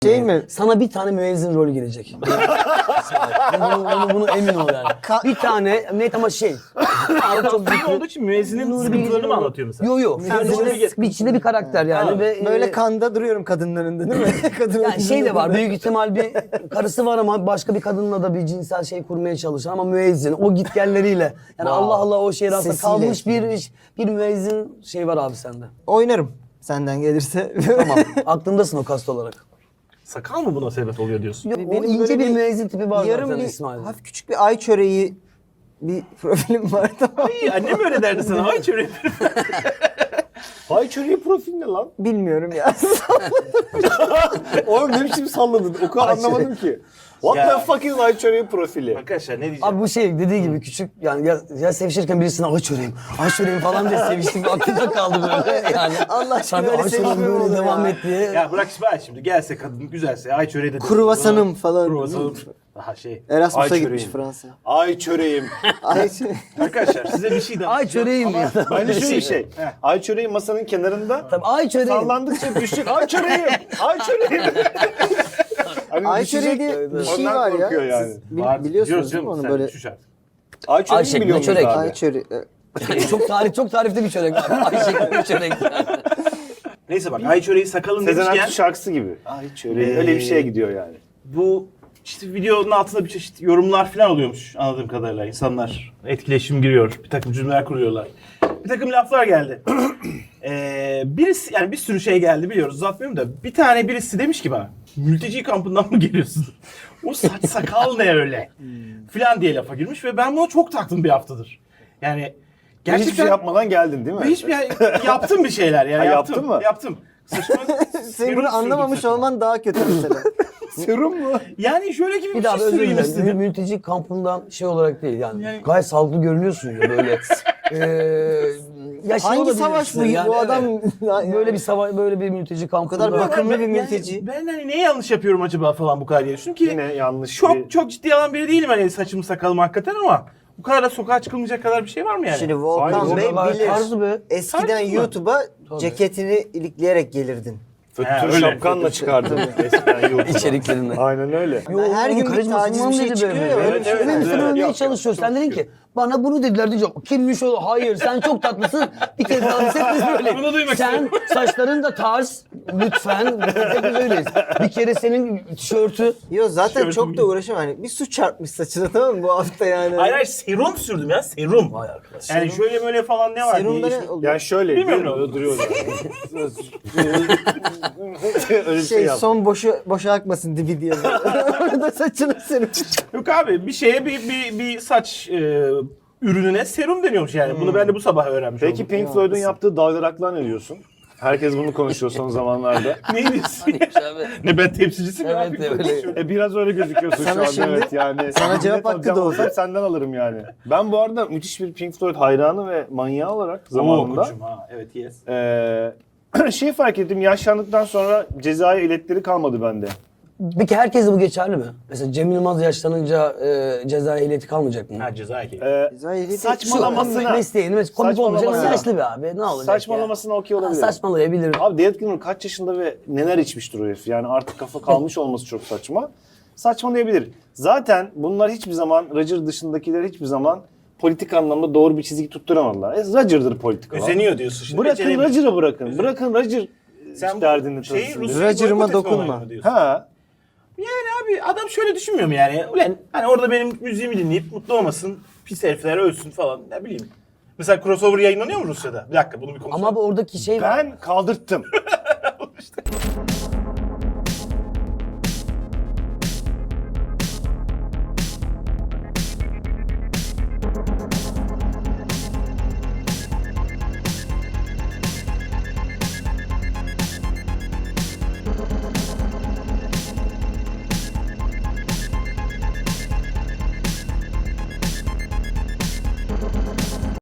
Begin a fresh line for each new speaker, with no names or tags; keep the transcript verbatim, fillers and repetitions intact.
Şey mi?
Sana bir tane müezzin rolü gelecek. bunu, bunu, bunu emin ol yani.
Ka-
bir tane net ama şey. Abi çok
Film olduğu için müezzinin sıkıntılarını mı anlatıyor mesela?
Yo yo.
Sen
Bir,
rolü
içinde,
geç.
bir içinde bir karakter yani.
Ha,
Ve,
Böyle
e,
kanda duruyorum kadınların önünde değil mi? Kadın
yani şey de var. Büyük ihtimal bir karısı var ama başka bir kadınla da bir cinsel şey kurmaya çalışan ama müezzin. O gitgelleriyle. Yani
Wow.
Allah Allah o şehir aslında
Sesiyle.
kalmış bir bir müezzin şey var abi sende.
Oynarım senden gelirse.
Tamam. Aklındasın o kast olarak.
Sakal mı buna sebep oluyor diyorsun?
Yok, o
Benim
ince
böyle
bir
bir
müezzin tipi var
Yarım
zaten
bir
İsmail'de.
hafif küçük bir ay çöreği bir profilim var tamam.
İyi, annem öyle derdi sana. Ay çöreği. Ay çöreği profil ne lan?
Bilmiyorum ya.
Oğlum ne biçim salladın? O kadar anlamadım ki. What
Ya.
the fuck is ay çöreği profili?
Arkadaşlar ne diyeceğim?
Abi bu şey dediği gibi küçük yani ya, ya sevişirken birisine ay çöreğim, ay çöreğim falan diye seviştik aklımda kaldı böyle yani.
Allah aşkına
Tabii
öyle
ay çöreğim
sevişme mi
böyle
olur
devam
ya?
et diye.
Ya bırak İsmail şimdi gelse kadın güzelse ay çöreği de
Kruvasanım falan.
Kruvasanım. Daha şey.
Erasmus'a
ay
gitmiş
çöreğim.
Fransa.
Ay çöreğim.
Ay çöreği.
Arkadaşlar size bir şey danışacağım.
Ay çöreğim
ama-
ya.
Bence şöyle bir şey. Ay çöreği masanın kenarında.
Tabii ay çöreğim.
Sallandıkça düşecek. Ay çöreğim. Ay çöreğim. Hani
Ay
düşecek,
çöreği diye bir şey
ondan
var ya.
korkuyor yani.
Siz bil-
Var,
biliyorsunuz değil
canım,
mi onu
sen
böyle?
düş artık.
Ay
Ay
çöreği
şeklinde
biliyor musunuz
çörek.
abi?
Ay çöreği.
çok tarih çok tarifli bir çörek abi. Ay şeklinde bir çörek.
Neyse bak ay çöreği sakalın
Sezen
demişken
Aksu şarkısı gibi. Ay çöreği. Öyle bir şeye gidiyor yani.
bu işte videonun altında bir çeşit yorumlar falan oluyormuş anladığım kadarıyla. İnsanlar etkileşim giriyor, bir takım cümleler kuruyorlar. Bir takım laflar geldi. ee, birisi yani bir sürü şey geldi biliyoruz uzatmıyorum da bir tane birisi demiş ki bana mülteci kampından mı geliyorsun? O saç sakal ne öyle? Falan diye lafa girmiş ve ben buna çok taktım bir haftadır. Yani gerçekten
Hiçbir şey yapmadan geldin değil mi?
ve hiçbir yaptım bir şeyler yani
Ha,
yaptım.
yaptın mı?
Yaptım. Saçma,
Senin
serum
bunu
sürdüm
anlamamış
saçıma.
olman daha kötü mesela.
Serum mu?
Yani şöyle gibi bir,
Bir daha
şey
özür
süreyim
dilerim.
istedim.
Mülteci kampından şey olarak değil yani.
Yani-
Gayet sağlıklı görünüyorsun ya böyle. Ee, ya şey
Hangi
olabilir
savaş
işte
bu?
yani,
Bu adam
evet. böyle bir savaş böyle bir mülteci kampında.
kadar bakımlı
Ben-
bir
yani
mülteci.
ben hani ne yanlış yapıyorum acaba falan bu kadar diye düşündüm ki
Yine yanlış
çok
bir...
çok ciddi alan biri değilim hani saçımı sakalım hakikaten ama bu kadar da sokağa çıkılmayacak kadar bir şey var mı yani?
Şimdi Volkan
Hayır,
Bey
oralar
bilir.
tarzı be.
Eskiden
Tarzı mı?
YouTube'a
Tabii.
ceketini ilikleyerek gelirdin.
Ha,
Fötür
öyle.
şapkanla çıkardım eskiden YouTube'a.
İçeriklerinde.
Aynen öyle.
Yo,
Her
onun
gün bir
karizmasından
taciz bir şey
dedi
çıkıyor
böyle.
ya, öyle
Evet,
bir şey
evet,
var.
evet. Sen
Evet,
övmeye
yok,
çalışıyorsun.
yok,
Sen dedin
yok.
ki bana bunu dediler diyeceğim. Kimmiş o? Hayır sen çok tatlısın. Bir kez daha biz hepimiz böyleyiz.
Bunu duymak
Sen
istiyorum.
saçların da tarz. Lütfen. Hepimiz öyleyiz. Bir kere senin tişörtü.
Yo zaten
Tişörtüm
çok da
gibi.
uğraşamam. Hani bir su çarpmış saçına tamam mı bu hafta yani.
Hayır hayır serum sürdüm ya serum.
Vay arkadaş.
Yani şöyle böyle falan ne var
Serumda
diye.
ne oluyor?
Yani şöyle
Bilmiyorum ne
duruyor,
oldu.
duruyor yani. Öyle bir şey,
şey
yap.
son boşu boşa akmasın dibi diye. Orada saçını serum.
Yok abi bir şeye bir bir, bir saç e, ürününe serum deniyormuş yani. Bunu ben de bu sabah öğrenmiş
Peki
oldum.
Pink Floyd'un yaptığı dalgaraklar ne diyorsun? Herkes bunu konuşuyor son zamanlarda.
Ne diyorsun? ne ben temsilcisi mi?
Evet,
yapayım?
öyle.
Konuşuyorum.
E biraz öyle gözüküyorsun
Sana
şu anda
şimdi-
evet yani.
sana cevap
Net
hakkı
alacağım
da
olsam
oldu.
senden alırım yani. Ben bu arada müthiş bir Pink Floyd hayranı ve manyağı olarak zamanında
Oo, koçum ha. Evet yes.
eee şey fark ettim yaşlandıktan sonra cezai iletleri kalmadı bende.
Peki herkese bu geçerli mi? Mesela Cem Yılmaz yaşlanınca e, ceza ehliyeti kalmayacak mı?
Ha ceza ehliyeti.
Eee
Ceza ehliyeti-
saçmalamasına,
Mesleğini mesela komik olmayacak ama
Saçmalamasına.
yaşlı bir abi. Ne olacak
saçmalamasına okey
ya? Ha,
olabilir.
saçmalayabilir.
Abi David Gilmour kaç yaşında ve neler içmiştir o herif. Yani artık kafa kalmış olması çok saçma. Saçmalayabilir. Zaten bunlar hiçbir zaman, Roger dışındakiler hiçbir zaman politik anlamda doğru bir çizgi tutturamadılar. E, Roger'dır politik olan.
Özeniyor diyorsun şimdi.
Bırakın
beceremiyor.
Roger'ı bırakın. Bırakın Roger
Sen bu
derdini
şeyi
taşısın.
Rusya'yı
Roger'ıma
boykot etme
dokunma.
olayını mı diyorsun?
Ha.
Yani abi adam şöyle düşünmüyor mu yani? Ulan hani orada benim müziğimi dinleyip mutlu olmasın, pis herifler ölsün falan ne bileyim. Mesela crossover yayınlanıyor mu Rusya'da? Bir dakika bunu bir konuşalım.
Ama bu oradaki şey var.
Ben kaldırttım.